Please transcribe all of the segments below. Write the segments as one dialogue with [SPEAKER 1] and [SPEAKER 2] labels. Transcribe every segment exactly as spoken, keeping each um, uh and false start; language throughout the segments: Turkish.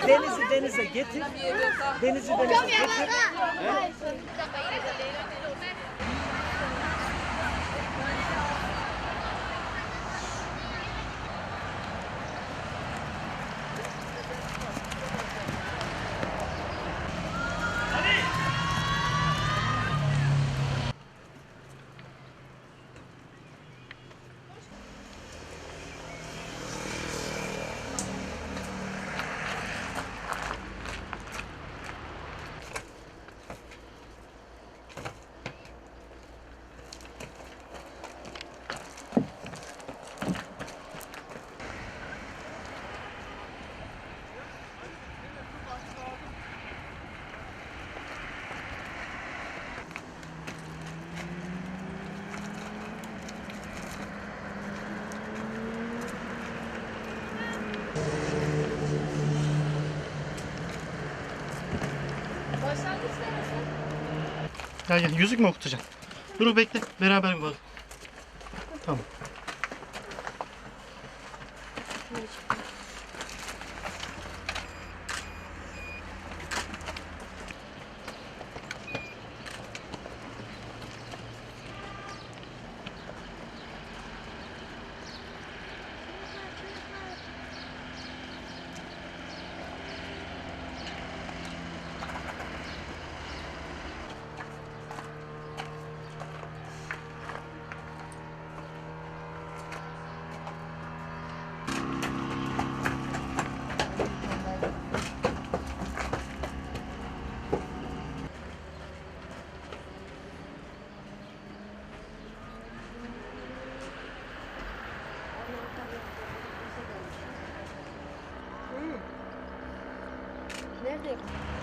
[SPEAKER 1] Denizi denize getir. Denizi denize getir.
[SPEAKER 2] Gel gel, yüzük mü okutacaksın? Dur bekle, beraber bak. Tamam.
[SPEAKER 3] Nerede?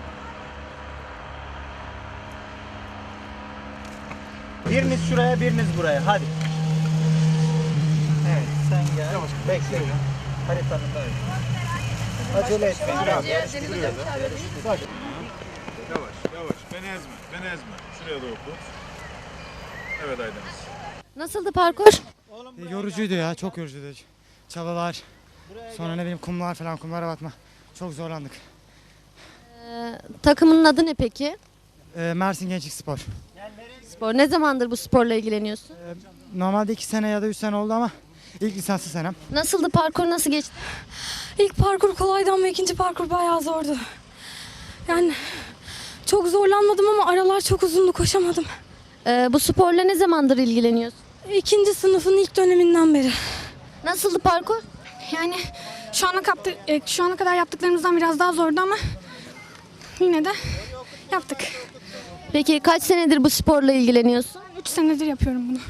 [SPEAKER 1] Biriniz şuraya, biriniz buraya. Hadi. Evet, sen gel. Yavaş, bekle. Haritanın da öyle. Acele etmeyin. Biraz yarıştırıyoruz.
[SPEAKER 4] Yavaş, yavaş. Beni ezme, beni ezme. Şuraya doğru tut. Evet Aydeniz.
[SPEAKER 3] Nasıldı parkur?
[SPEAKER 5] E, yorucuydu ya, çok yorucuydu. Çalılar, sonra ne bileyim kumlar falan, kumlara batma. Çok zorlandık.
[SPEAKER 3] Ee, takımının adı ne peki?
[SPEAKER 5] E, Mersin Gençlik Spor.
[SPEAKER 3] Spor. Ne zamandır bu sporla ilgileniyorsun?
[SPEAKER 5] E, normalde iki sene ya da üç sene oldu ama ilk lisanslı senem.
[SPEAKER 3] Nasıldı parkur, nasıl geçti?
[SPEAKER 6] İlk parkur kolaydı ama ikinci parkur bayağı zordu. Yani çok zorlanmadım ama aralar çok uzundu, koşamadım.
[SPEAKER 3] Ee, bu sporla ne zamandır ilgileniyorsun?
[SPEAKER 6] İkinci sınıfın ilk döneminden beri.
[SPEAKER 3] Nasıldı parkur?
[SPEAKER 6] Yani şu ana, kaptı, e, şu ana kadar yaptıklarımızdan biraz daha zordu ama yine de yaptık.
[SPEAKER 3] Peki kaç senedir bu sporla ilgileniyorsun?
[SPEAKER 6] Üç senedir yapıyorum bunu.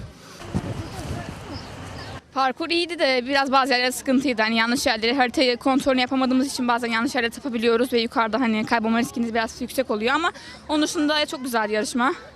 [SPEAKER 7] Parkur iyiydi de biraz bazı yerler sıkıntıydı. Hani yanlış yerleri haritayı kontrolünü yapamadığımız için bazen yanlış yerlere tapabiliyoruz ve yukarıda hani kaybolma riskiniz biraz yüksek oluyor ama onun dışında çok güzel yarışma.